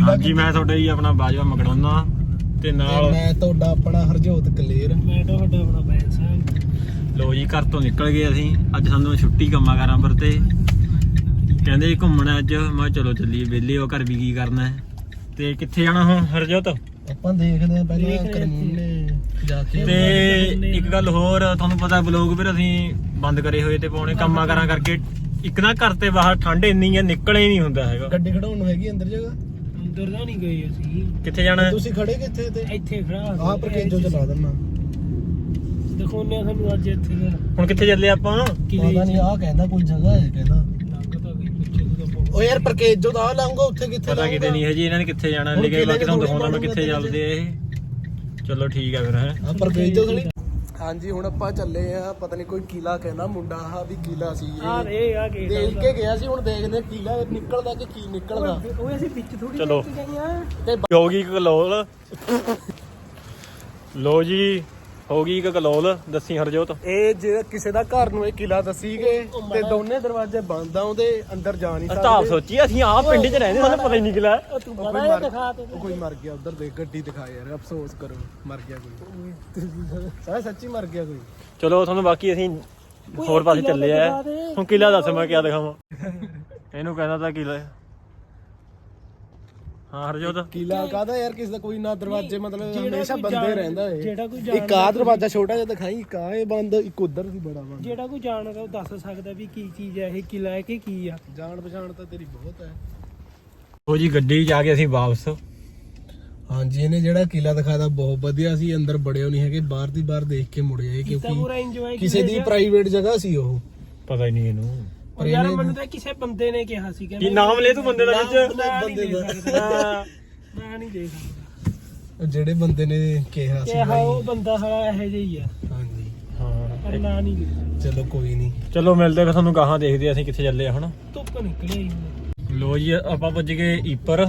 ਹਾਂਜੀ ਮੈਂ ਤੁਹਾਡਾ ਜੀ ਆਪਣਾ ਬਾਜਵਾ ਮਕੜੋਨਾ ਤੇ ਨਾਲ ਮੈਂ ਤੁਹਾਡਾ ਆਪਣਾ ਹਰਜੋਤ ਕਲੇਰ। ਮੈਂ ਤੁਹਾਡਾ ਆਪਣਾ ਬੈਨ ਸਾਹਿਬ। ਲੋ ਜੀ ਘਰ ਤੋਂ ਨਿਕਲ ਗਏ ਅਸੀਂ ਅੱਜ ਸਾਨੂੰ ਛੁੱਟੀ ਕੰਮਾਂ ਕਾਰਾਂ ਪਰ ਤੇ ਕਹਿੰਦੇ ਜੀ ਘੁੰਮਣਾ ਅੱਜ ਮੈਂ ਚਲੋ ਚੱਲੀਏ ਵਿਹਲੇ ਹੋ ਘਰ ਵੀ ਕੀ ਕਰਨਾ ਹੈ ਤੇ ਕਿੱਥੇ ਜਾਣਾ ਹੁਣ ਹਰਜੋਤ ਆਪਾਂ ਦੇਖਦੇ ਆ ਪਹਿਲਾਂ ਕਰਮੂਨੇ ਜਾ ਕੇ। ਤੇ ਇੱਕ ਗੱਲ ਹੋਰ ਤੁਹਾਨੂੰ ਪਤਾ ਬਲੌਗ ਫਿਰ ਅਸੀਂ ਬੰਦ ਕਰੇ ਹੋਏ ਤੇ ਪਾਉਣੇ ਕੰਮਾਂ ਕਾਰਾਂ ਕਰਕੇ ਇੱਕ ਨਾ ਘਰ ਤੇ ਬਾਹਰ ਠੰਡ ਇੰਨੀ ਹੈ ਨਿਕਲੇ ਹੀ ਨਹੀਂ ਹੁੰਦਾ ਹੈਗਾ। ਗੱਡੀ ਖੜਾਉਣ ਨੂੰ ਹੈਗੀ ਅੰਦਰ ਜਗ੍ਹਾ? ਅੰਦਰ ਤਾਂ ਨਹੀਂ ਗਏ ਅਸੀਂ। ਕਿੱਥੇ ਜਾਣਾ ਤੁਸੀਂ ਖੜੇ ਕਿੱਥੇ ਤੇ? ਇੱਥੇ ਖੜਾ ਆਹ ਪਰਕੇਜੋ ਚਲਾ ਦਿੰਨਾ। ਦਿਖਾਉਣੇ ਆ ਸਾਨੂੰ ਅੱਜ ਇੱਥੇ ਦਾ ਹੁਣ ਕਿੱਥੇ ਚੱਲੇ ਆਪਾਂ ਪਤਾ ਨਹੀਂ ਆਹ ਕਹਿੰਦਾ ਕੋਈ ਜਗ੍ਹਾ ਹੈ ਕਹਿੰਦਾ। ਲੱਗਦਾ ਵੀ ਪਿੱਛੇ ਤੋਂ ਤਾਂ ਓ ਯਾਰ ਪਰਕੇਜੋ ਦਾ ਆ ਲਾਉਂਗਾ ਉੱਥੇ ਕਿੱਥੇ ਪਤਾ ਕਿਤੇ ਨਹੀਂ ਹੈ ਜੀ ਇਹਨਾਂ ਨੇ ਕਿੱਥੇ ਜਾਣਾ ਲਿਖਿਆ ਬਾਕੀ ਤੁਹਾਨੂੰ ਦਿਖਾਉਣਾ ਮੈਂ ਕਿੱਥੇ ਚੱਲਦੇ ਆ ਇਹ। ਚਲੋ ਠੀਕ ਆ ਫਿਰ ਹੈ ਆ ਪਰਕੇਜੋ ਥੋੜੀ। ਹਾਂਜੀ ਹੁਣ ਆਪਾਂ ਚੱਲੇ ਆ ਪਤਾ ਨਹੀਂ ਕੋਈ ਕਿਲਾ ਕਹਿੰਦਾ ਮੁੰਡਾ ਆ ਵੀ ਕਿਲਾ ਸੀ ਆ ਇਹ ਰੇ ਆ ਗੇਟ ਦੇਖ ਕੇ ਗਿਆ ਸੀ। ਹੁਣ ਦੇਖਦੇ ਕਿਲਾ ਨਿਕਲਦਾ ਕਿ ਕੀ ਨਿਕਲਦਾ। ਉਹ ਅਸੀਂ ਵਿੱਚ ਥੋੜੀ ਚਲੋ। ਗਏ ਆ ਤੇ ਹੋਗੀ ਕਲੋਲ ਲੋ ਜੀ ਹੋਗੀ ਕਲੋਲ ਦੱਸੀ ਹਰਜੋਤ। ਇਹ ਜੇ ਕਿਸੇ ਦਾ ਘਰ ਨੂੰ ਇਹ ਕਿਲਾ ਦੱਸੀਗੇ ਤੇ ਦੋਨੇ ਦਰਵਾਜ਼ੇ ਬੰਦ ਆ ਉਹਦੇ ਅੰਦਰ ਜਾ ਨਹੀਂ ਤਾਂ ਸੋਚੀ ਅਸੀਂ ਆਹ ਪਿੰਡ 'ਚ ਰਹਿੰਦੇ ਸਾਨੂੰ ਪਤਾ ਹੀ ਨਹੀਂ ਕਿਲਾ ਤੂੰ ਬੜਾ ਇਹ ਦਿਖਾ ਤੇ ਕੋਈ ਮਰ ਗਿਆ ਉਧਰ ਦੇਖ ਗੱਡੀ ਦਿਖਾ ਯਾਰ ਅਫਸੋਸ ਕਰੋ ਮਰ ਗਿਆ ਕੋਈ ਸੱਚੀ ਮਰ ਗਿਆ ਕੋਈ। ਚਲੋ ਤੁਹਾਨੂੰ ਬਾਕੀ ਅਸੀਂ ਹੋਰ ਪਾਸੇ ਚੱਲੇ ਆ ਹੁਣ ਕਿਲਾ ਦੱਸ ਮੈਂ ਕਿਆ ਦਿਖਾਵਾਂ ਇਹਨੂੰ ਕਹਿੰਦਾ ਤਾਂ ਕਿਲਾ ਹਾਂ ਹਰਜੋਤ ਕਿਲਾ ਕਾਹਦਾ ਯਾਰ ਕਿਸੇ ਦਾ ਕੋਈ ਨਾ ਦਰਵਾਜ਼ੇ ਮਤਲਬ ਹਮੇਸ਼ਾ ਬੰਦੇ ਰਹਿੰਦਾ ਏ। ਜਿਹੜਾ ਕੋਈ ਇੱਕ ਆ ਦਰਵਾਜ਼ਾ ਛੋਟਾ ਜਿਹਾ ਦਿਖਾਈ ਇੱਕ ਆ ਇਹ ਬੰਦ ਇੱਕ ਉਧਰ ਸੀ ਬੜਾ ਬੰਦ। ਜਿਹੜਾ ਕੋਈ ਜਾਣਦਾ ਉਹ ਦੱਸ ਸਕਦਾ ਵੀ ਕੀ ਚੀਜ਼ ਹੈ ਇਹ ਕਿਲਾ ਹੈ ਕਿ ਕੀ ਆ। ਜਾਣ ਪਛਾਣ ਤਾਂ ਤੇਰੀ ਬਹੁਤ ਹੈ। ਉਹ ਜੀ ਗੱਡੀ 'ਚ ਆ ਕੇ ਅਸੀਂ ਵਾਪਸ। ਹਾਂਜੀ ਇਹਨੇ ਜਿਹੜਾ ਕਿਲਾ ਦਿਖਾਦਾ ਬਹੁਤ ਵਧੀਆ ਸੀ। ਅੰਦਰ ਬੜਿਓ ਨਹੀਂ ਹੈਗੇ ਬਾਹਰ ਦੀ ਬਾਹਰ ਦੇਖ ਕੇ ਮੁੜ ਜਾਏ ਤਾਂ ਪੂਰਾ ਕਿਉਂਕਿ ਇੰਜੋਏ ਕਿਸੇ ਦੀ ਪ੍ਰਾਈਵੇਟ ਜਗ੍ਹਾ ਸੀ ਉਹ। ਪਤਾ ਹੀ ਨਹੀਂ ਇਹਨੂੰ ਪਰ ਯਾਰ ਮੈਨੂੰ ਤਾਂ ਕਿਸੇ ਬੰਦੇ ਨੇ ਕਿਹਾ ਸੀ ਕੀ ਨਾਮ ਲੈ ਤੂੰ ਬੰਦੇ ਦਾ ਵਿੱਚ ਬੰਦੇ ਦਾ ਮੈਂ ਨਹੀਂ ਦੇ ਸਕਦਾ ਜਿਹੜੇ ਬੰਦੇ ਨੇ ਕਿਹਾ ਸੀ ਕਿਹਾ ਉਹ ਬੰਦਾ ਸਾਲਾ ਇਹੋ ਜਿਹਾ ਹੀ ਆ। ਹਾਂਜੀ ਹਾਂ ਪਰ ਨਾ ਨਹੀਂ ਲਿਖਿਆ। ਚਲੋ ਕੋਈ ਨਹੀਂ। ਚਲੋ ਮਿਲਦੇ ਫਿਰ ਤੁਹਾਨੂੰ ਗਾਹਾਂ ਦੇਖਦੇ ਅਸੀਂ ਕਿੱਥੇ ਚੱਲੇ ਆ ਹੁਣ। ਧੁੱਪ ਨਿਕਲੀ ਲੋ ਜੀ ਆਪਾਂ ਪੁੱਜ ਗਏ ਈਪਰ।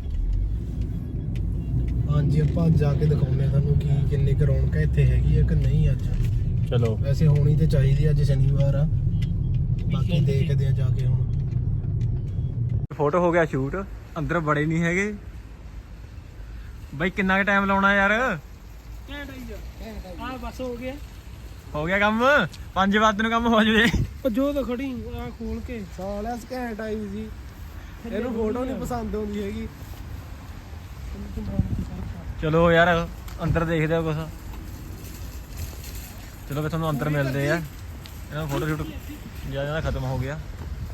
ਹਾਂਜੀ ਆਪਾਂ ਜਾ ਕੇ ਦਿਖਾਉਂਦੇ ਤੁਹਾਨੂੰ ਕੀ ਕਿੰਨੀ ਕੁ ਰੌਣਕ ਇੱਥੇ ਹੈਗੀ ਆ ਕਿ ਨਹੀਂ ਅੱਜ। ਚਲੋ ਵੈਸੇ ਹੋਣੀ ਤੇ ਚਾਹੀਦੀ ਅੱਜ ਸ਼ਨੀਵਾਰ ਆ ਬਾਕੀ ਦੇਖਦੇ ਆ ਜਾ ਕੇ ਹੁਣ। ਫੋਟੋ ਹੋ ਗਿਆ ਸ਼ੂਟ ਅੰਦਰ ਬੜੇ ਨਹੀਂ ਹੈਗੇ ਬਾਈ ਕਿੰਨਾ ਕੁ ਟਾਈਮ ਲਾਉਣਾ ਯਾਰ। ਘੈਂਟ ਆਈ ਜਾ ਆ ਬਸ ਹੋ ਗਿਆ ਕੰਮ 5 ਵਜੇ ਨੂੰ ਕੰਮ ਹੋ ਜਵੇ। ਉਹ ਜੋ ਤਾਂ ਖੜੀ ਆ ਖੋਲ ਕੇ ਸਾਲਿਆ ਘੈਂਟ ਆਈ ਸੀ ਇਹਨੂੰ ਫੋਟੋ ਨਹੀਂ ਪਸੰਦ ਆਉਂਦੀ ਹੈਗੀ। ਚਲੋ ਯਾਰ ਅੰਦਰ ਦੇਖਦੇ ਆ ਕੁਛ। ਚਲੋ ਫਿਰ ਤੁਹਾਨੂੰ ਅੰਦਰ ਮਿਲਦੇ ਆ। ਇਹਨਾਂ ਫੋਟੋ ਸ਼ੂਟ ਜਿਆਦਾ ਖਤਮ ਹੋ ਗਿਆ।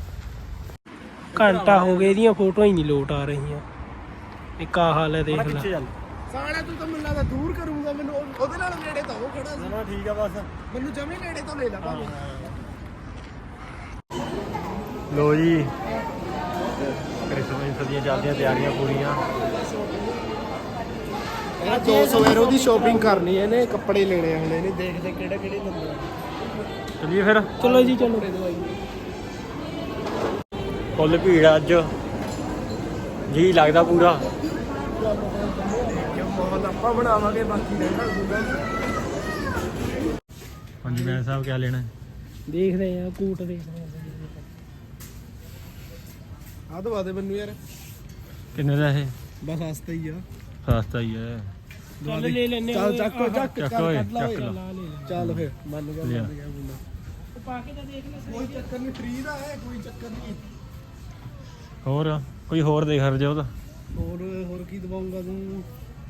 ਘੰਟਾ ਹੋ ਗਿਆ ਇਹਦੀਆਂ ਫੋਟੋਆਂ ਹੀ ਨਹੀਂ ਲੋਟ ਆ ਰਹੀਆਂ। ਇੱਕ ਆ ਹਾਲ ਹੈ ਦੇਖ ਲੈ। ਸਾਲਿਆ ਤੂੰ ਤਾਂ ਮੈਨੂੰ ਲੱਗਦਾ ਦੂਰ ਕਰੂੰਗਾ ਮੈਨੂੰ ਉਹਦੇ ਨਾਲ ਨੇੜੇ ਤਾਂ ਉਹ ਖੜਾ ਸੀ। ਨਾ ਠੀਕ ਆ ਬਸ ਮੈਨੂੰ ਜਮੇ ਨੇੜੇ ਤੋਂ ਲੈ ਲਾ ਭਾਵੇਂ। ਲੋ ਜੀ ਕ੍ਰਿਸਮਸ ਦੀਆਂ ਚੱਲਦੀਆਂ ਤਿਆਰੀਆਂ ਪੂਰੀਆਂ। ਇਹ 200 ਯੂਰੋ ਦੀ ਸ਼ਾਪਿੰਗ ਕਰਨੀ ਹੈ ਇਹਨੇ ਕੱਪੜੇ ਲੈਣੇ ਆ ਹਲੇ ਨਹੀਂ ਦੇਖਦੇ ਕਿਹੜੇ ਕਿਹੜੇ ਲੈਂਦੇ ਆ। ਚਲਿਏ ਫਿਰ ਚਲੋ ਜੀ ਚਲੋ। ਫੁੱਲ ਭੀੜ ਆ ਅੱਜ ਜੀ ਲੱਗਦਾ ਪੂਰਾ। ਬਹੁਤ ਆਪਾਂ ਬਣਾਵਾਂਗੇ ਬਾਕੀ ਰਹਿਣਾ ਦੂਗਾ। ਹਾਂਜੀ ਮੈਂ ਸਾਹਿਬ ਕਿਆ ਲੈਣਾ ਦੇਖਦੇ ਆ ਕੂਟ ਦੇਖਦੇ ਆ ਦਵਾ ਦੇ ਮੈਨੂੰ ਯਾਰ। ਕਿੰਨੇ ਦਾ ਇਹ ਬਸ ਸਸਤਾ ਹੀ ਆ। ਸਸਤਾ ਹੀ ਹੈ। ਚੱਲ ਲੈ ਲੈਨੇ ਚੱਲ ਚੱਕ ਚੱਕ ਚੱਕ ਓਏ ਕੱਢ ਲਾ ਓਏ। ਚੱਕ ਲਾ। ਲਾ ਲੈ ਚੱਲ ਫਿਰ ਮੰਨ ਗਿਆ ਲਿਆ। ਮੰਨ ਗਿਆ ਮੁੰਡਾ। ਉਹ ਪਾ ਕੇ ਤਾਂ ਦੇਖ ਲੈ ਕੋਈ ਚੱਕਰ ਨਹੀਂ ਫ੍ਰੀ ਦਾ ਹੈ ਕੋਈ ਚੱਕਰ ਨਹੀਂ। ਹੋਰ ਕੋਈ ਹੋਰ ਦੇਖ ਹਰਜੋ ਉਹਦਾ ਹੋਰ ਕੀ ਦਵਾਉਂਗਾ ਤੂੰ?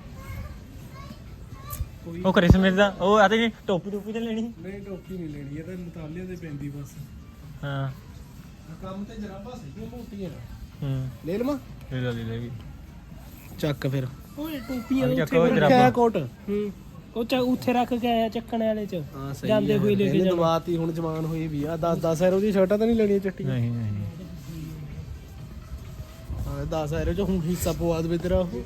ਕੋਈ ਉਹ ਕ੍ਰਿਸਮਸ ਦਾ ਉਹ ਆਤੇ ਜੀ ਟੋਪੀ ਤੇ ਲੈਣੀ। ਨਹੀਂ ਟੋਪੀ ਨਹੀਂ ਲੈਣੀ ਇਹ ਤਾਂ ਮਤਾਲਿਆਂ ਦੇ ਪੈਂਦੀ ਬਸ। ਹਾਂ ਕੰਮ ਤੇ ਜਰਾਬਾਂ ਸੀਗੀਆਂ ਮੋਟੀਆਂ। ਹੂੰ ਲੈ ਲਵਾਂ? ਲੈ ਲੈ ਵੀ ਚੱਕ ਫਿਰ। ਓਏ ਟੋਪੀਆਂ ਚੱਕੋ ਉੱਥੇ ਜਰਾਬਾਂ। ਕੋਟ ਹੂੰ ਉਹ ਉੱਥੇ ਰੱਖ ਕੇ ਆਇਆ ਚੱਕਣ ਵਾਲੇ ਚ ਹਾਂ ਸਹੀ ਜਾਂਦੇ ਹੋਏ ਲੈ ਕੇ ਜਾਣਾ। ਦਵਾਤੀ ਹੁਣ ਜਵਾਨ ਹੋਈ ਵੀ ਆ 10 ਯੂਰੋ ਦੀ ਸ਼ਰਟਾਂ ਤਾਂ ਨਹੀਂ ਲੈਣੀਆਂ ਚੱਟੀਆਂ। ਨਹੀਂ ਨਹੀਂ 10 ਯੂਰੋ ਚ ਹੁਣ ਹਿੱਸਾ ਪਵਾ ਦੇ ਤੇਰਾ ਉਹ।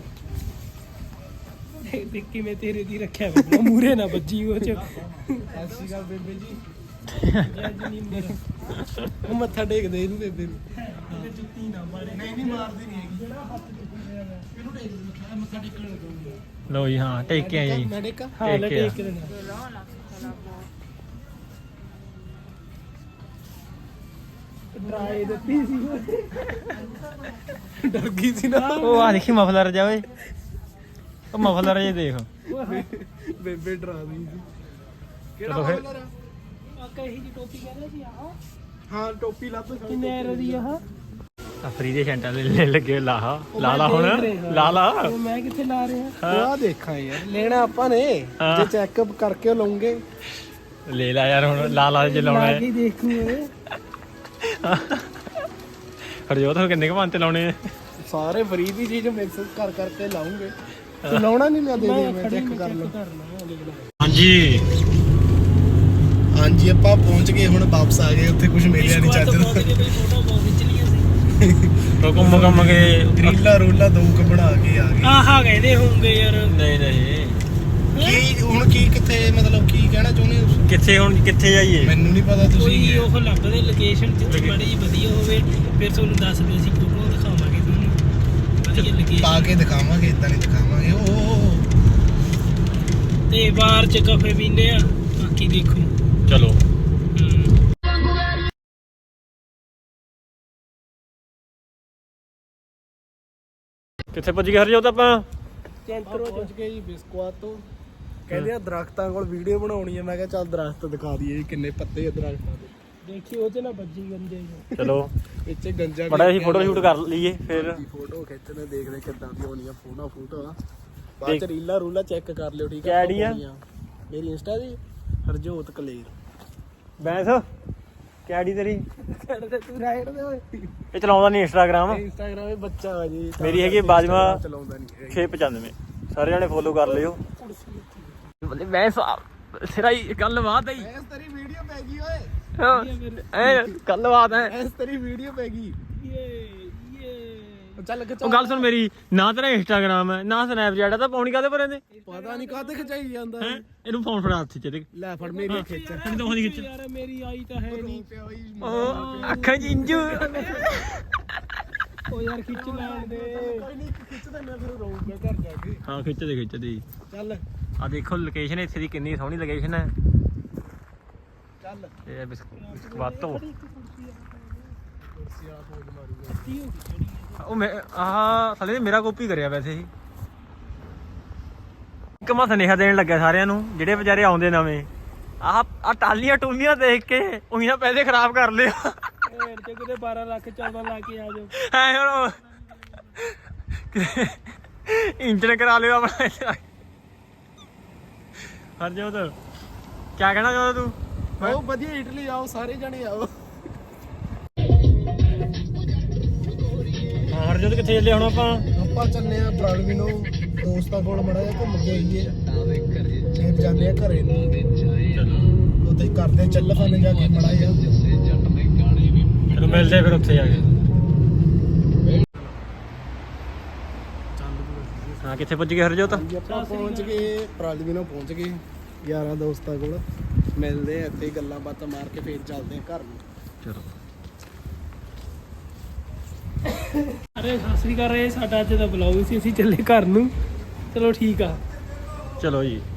ਦੇਖ ਕਿਵੇਂ ਤੇਰੇ ਦੀ ਰੱਖਿਆ ਵਾ ਮੂਰੇ ਨਾ ਵੱਜੀ ਉਹ ਚ। ਐਸੀ ਗੱਲ ਬੇਬੇ ਜੀ ਜੱਜ ਨਹੀਂ ਮੇਰਾ ਉਹ ਮੱਥਾ ਟੇਕਦੇ ਇਹਨੂੰ ਬੇਬੇ ਨੂੰ। ਇਹਨੇ ਜੁੱਤੀ ਨਾ ਮਾਰੇ। ਨਹੀਂ ਮਾਰਦੀ ਨਹੀਂ ਹੈਗੀ। ਇਹਨੂੰ ਟੇਕ ਦੇ ਮੱਥਾ ਟੇਕਣ ਲੱਗੂਗਾ। ਲੋ ਜੀ ਹਾਂ ਟੇਕ ਕੇ ਆਏ ਜੀ। ਮੈਂ ਟੇਕਾਂ? ਹਾਂ ਲੈ ਟੇਕ ਕੇ ਆ। ਟੇਕ ਕੇ ਦੇਣਾ। ਡਰਾਈ ਦਿੱਤੀ ਸੀ ਡਰ ਗਈ ਸੀ ਨਾ ਉਹ ਆ ਦੇਖੀ ਮਫਲਰ ਜਾ ਓਏ ਉਹ ਮਫਲਰ ਜੇ ਦੇਖ ਬੇਬੇ ਡਰਾ ਰਹੀ ਸੀ ਚਲੋ ਫਿਰ ਆਕਾ ਇਹੀ ਜੀ ਟੋਪੀ ਕਹਿੰਦੇ ਸੀ ਆਹ ਹਾਂ ਟੋਪੀ ਲੱਭ ਕਿੰਨੇ ਰੁਪਏ ਦੀ ਆਹ ਫਰੀ ਦੇ ਸੈਂਟਰ ਲੈ ਲੱਗੇ ਲਾ ਹੁਣ ਲਾ ਉਹ ਮੈਂ ਕਿੱਥੇ ਲਾ ਰਿਹਾ ਆ ਦੇਖਾਂ ਯਾਰ ਲੈਣਾ ਆਪਾਂ ਨੇ ਹਾਂ। ਜੇ ਚੈੱਕਅਪ ਕਰਕੇ ਲਵਾਂਗੇ ਲੈ ਲਾ ਯਾਰ ਹੁਣ ਲਾ ਜੇ ਲਾਉਣਾ ਲਾ ਹੈ ਕੇ ਦੇਖੂ ਓਏ ਹਰਜੋਤ ਹੁਣ ਕਿੰਨੇ ਕੁ ਪੰਜ ਤੇ ਲਾਉਣੇ ਆ ਸਾਰੇ ਫਰੀ ਦੀ ਚੀਜ਼ ਮਿਕਸ ਕਰਕੇ ਲਾਉਂਗੇ ਤੂੰ ਲਾਉਣਾ ਨਹੀਂ ਮੈਂ ਦੇ ਦੇ ਮੈਂ ਚੈੱਕ ਕਰ ਲਾਂ ਹਾਂਜੀ ਹਾਂਜੀ ਆਪਾਂ ਪਹੁੰਚ ਗਏ ਹੁਣ ਵਾਪਸ ਆ ਗਏ ਉੱਥੇ ਕੁਝ ਮਿਲਿਆ ਨਹੀਂ ਚੱਜ ਦਾ ਫੋਟੋ ਬਹੁਤ ਖਿੱਚ ਲਈਆਂ ਸੀ ਕੰਮ ਕੇ ਰੀਲਾ ਰੋਲਾ ਦੋ ਕੁ ਬਣਾ ਕੇ ਆ ਗਏ ਆਹਾ ਕਹਿੰਦੇ ਹੋਣਗੇ ਯਾਰ ਨਹੀਂ ਕੀ ਹੁਣ ਕੀ ਕਿੱਥੇ ਮਤਲਬ ਕੀ ਕਹਿਣਾ ਚਾਹੁੰਦੇ ਹੋ ਤੁਸੀਂ? ਕਿੱਥੇ ਹੁਣ ਕਿੱਥੇ ਜਾਈਏ ਮੈਨੂੰ ਨਹੀਂ ਪਤਾ ਕੋਈ ਤੁਸੀਂ ਉਹ ਲੱਭਦੇ ਲੋਕੇਸ਼ਨ ਜਿੱਥੇ ਬੜੀ ਜੀ ਵਧੀਆ ਹੋਵੇ ਫਿਰ ਤੁਹਾਨੂੰ ਦੱਸਦੇ ਅਸੀਂ ਫੋਟੋ ਦਿਖਾਵਾਂਗੇ ਤੁਹਾਨੂੰ ਵਧੀਆ ਲੋਕੇਸ਼ਨ ਪਾ ਕੇ ਦਿਖਾਵਾਂਗੇ ਇਦਾਂ ਨਹੀਂ ਦਿਖਾਵਾਂਗੇ ਉਹ ਤੇ ਬਾਹਰ ਚ ਕਾਫੇ ਪੀਂਦੇ ਆ ਬਾਕੀ ਦੇਖੋ ਚਲੋ ਕਿੱਥੇ ਪੁੱਜ ਗਏ ਹਰਜੋਤ ਆਪਾਂ ਚੈਂਤਰੋ ਪਹੁੰਚ ਗਏ ਜੀ ਬਿਸਕੁਆਤ ਤੋਂ ਕਹਿੰਦੇ ਆ ਦਰਖਤਾਂ ਕੋਲ ਵੀਡੀਓ ਬਣਾਉਣੀ ਹੈ ਮੈਂ ਕਿਹਾ ਚੱਲ ਦਰਖਤ ਦਿਖਾ ਦਈਏ ਜੀ ਕਿੰਨੇ ਪੱਤੇ ਆ ਦਰਖਤਾਂ ਦੇ ਦੇਖੀ ਉਹ ਚ ਨਾ ਵੱਜੀ ਗੰਦੇ ਚ ਚਲੋ ਇੱਥੇ ਗੰਜਾ ਬੜਾ ਅਸੀਂ ਫੋਟੋ ਸ਼ੂਟ ਕਰ ਲਈਏ ਫਿਰ ਫੋਟੋ ਖਿੱਚਣੇ ਦੇਖਦੇ ਕਿੱਦਾਂ ਦੀ ਹੋਣੀ ਆ ਫੋਟੋ ਬਾਅਦ ਚ ਰੀਲਾ ਰੂਲਾ ਚੈੱਕ ਕਰ ਲਿਓ ਠੀਕ ਕਿਆ ਹੈ ID ਆ? ਮੇਰੀ ਇੰਸਟਾ ਦੀ ਹਰਜੋਤ ਕਲੇਰ ਬੈਂਸ ਕਿਹੜੀ ਤੇਰੀ ਤੂੰ ਰਾਈਟ ਦੇ ਓਏ ਇਹ ਚਲਾਉਂਦਾ ਨਹੀਂ ਇੰਸਟਾਗ੍ਰਾਮ ਇੰਸਟਾਗ੍ਰਾਮ ਇਹ ਬੱਚਾ ਆ ਜੀ ਮੇਰੀ ਹੈਗੀ ਬਾਜਵਾ ਚਲਾਉਂਦਾ ਨਹੀਂ 695 ਸਾਰੇ ਜਣੇ ਫੋਲੋ ਕਰ ਲਿਓ ਬੱਲੇ ਬੈਂਸ ਸਿਰਾਈ ਗੱਲਬਾਤ ਹੈ ਐਸ ਤੇਰੀ ਵੀਡੀਓ ਪੈ ਗਈ ਓਏ ਐ ਗੱਲਬਾਤ ਹੈ ਐਸ ਤੇਰੀ ਵੀਡੀਓ ਪੈ ਗਈ ਚੱਲ ਉਹ ਗੱਲ ਸੁਣ ਮੇਰੀ ਨਾ ਤੇਰਾ ਇੰਸਟਾਗ੍ਰਾਮ ਹੈ ਨਾ ਸਨੈਪਚੈਟ ਹੈ ਤਾਂ ਪਾਉਣੀ ਕਾਦੇ ਪਰ ਇਹਦੇ ਪਤਾ ਨਹੀਂ ਕਾਹਤੇ ਖਿਚਾਈ ਜਾਂਦਾ ਹੈ ਇਹਨੂੰ ਫੋਨ ਫੜਾ ਹੱਥ ਚ ਇਹਦੇ ਲੈ ਫੜ ਮੇਰੀ ਖਿੱਚ ਇਹਨੂੰ ਤਾਂ ਉਹਦੀ ਖਿੱਚ ਯਾਰ ਮੇਰੀ ਆਈ ਤਾਂ ਹੈ ਨਹੀਂ ਪਿਆ ਬਈ ਉਹ ਅੱਖਾਂ ਚ ਇੰਜੂ ਉਹ ਯਾਰ ਖਿੱਚ ਲੈਣ ਦੇ ਕੋਈ ਨਹੀਂ ਖਿੱਚ ਦਿੰਦਾ ਫਿਰ ਰੋਊਗਾ ਘਰ ਜਾ ਕੇ ਹਾਂ ਖਿੱਚਦੇ ਚੱਲ ਆ ਦੇਖੋ ਲੋਕੇਸ਼ਨ ਇੱਥੇ ਦੀ ਕਿੰਨੀ ਸੋਹਣੀ ਲੋਕੇਸ਼ਨ ਹੈ ਚੱਲ ਇਹ ਬਿਸਕਵਾਤੋ ਕੁਰਸੀ ਵਾਲਾ ਫੋਨ ਮਾਰੂਗਾ ਉਹ ਮੈਂ ਆਹ ਸਾਲੇ ਨੇ ਮੇਰਾ ਕਾਪੀ ਕਰਿਆ ਵੈਸੇ ਹੀ ਇੱਕ ਮੈਂ ਸੁਨੇਹਾ ਦੇਣ ਲੱਗਿਆ ਸਾਰਿਆਂ ਨੂੰ ਜਿਹੜੇ ਵਿਚਾਰੇ ਆਉਂਦੇ ਨਵੇਂ ਆਹ ਟਾਲੀਆਂ ਟੂਲੀਆਂ ਦੇਖ ਕੇ ਉਹੀ ਨਾ ਪੈਸੇ ਖਰਾਬ ਕਰ ਲਿਓ ਢੇਰ ਤੇ ਕਿਤੇ 12 ਲੱਖ 14 ਲਾ ਕੇ ਆ ਜਾਓ ਐ ਹੁਣ ਇੰਜਨ ਕਰਾ ਲਿਓ ਆਪਣਾ ਹਰਜੋਤ ਕਿਆ ਕਹਿਣਾ ਚਾਹੁੰਦਾ ਤੂੰ ਉਹ ਵਧੀਆ ਇਟਲੀ ਆਓ ਸਾਰੇ ਜਣੇ ਆਓ ਹਾਂ ਹਰਜੋਤ ਕਿੱਥੇ ਚੱਲੇ ਹੁਣ ਆਪਾਂ ਚੱਲੇ ਆ ਬ੍ਰਾਡਵਿਨੋ ਦੋਸਤਾਂ ਕੋਲ ਮੜਾ ਜਾ ਘੁੰਮ ਕੇ ਆਈਏ ਫਿਰ ਜਾਂਦੇ ਆ ਘਰੇ ਨੂੰ ਚਲੋ ਉੱਥੇ ਕਰਦੇ ਚੱਲ ਫਾਨੇ ਜਾ ਕੇ ਮੜਾ ਜਾ ਚਲੋ ਮਿਲਦੇ ਆ ਫਿਰ ਉੱਥੇ ਜਾ ਕੇ ਹਾਂ ਕਿੱਥੇ ਪੁੱਜ ਗਏ ਹਰਜੋਤ ਆਪਾਂ ਪਹੁੰਚ ਗਏ ਬ੍ਰਾਡਵਿਨੋ ਪਹੁੰਚ ਗਏ ਯਾਰਾਂ ਦੋਸਤਾਂ ਕੋਲ ਮਿਲਦੇ ਆ ਇੱਥੇ ਗੱਲਾਂ ਬਾਤਾਂ ਮਾਰ ਕੇ ਫੇਰ ਚੱਲਦੇ ਆ ਘਰ ਨੂੰ ਚਲੋ ਅਰੇ ਸਤਿ ਸ੍ਰੀ ਅਕਾਲ ਸਾਡਾ ਅੱਜ ਦਾ ਬਲੌਗ ਸੀ ਅਸੀਂ ਚੱਲੇ ਘਰ ਨੂੰ ਚਲੋ ਠੀਕ ਆ ਚਲੋ ਜੀ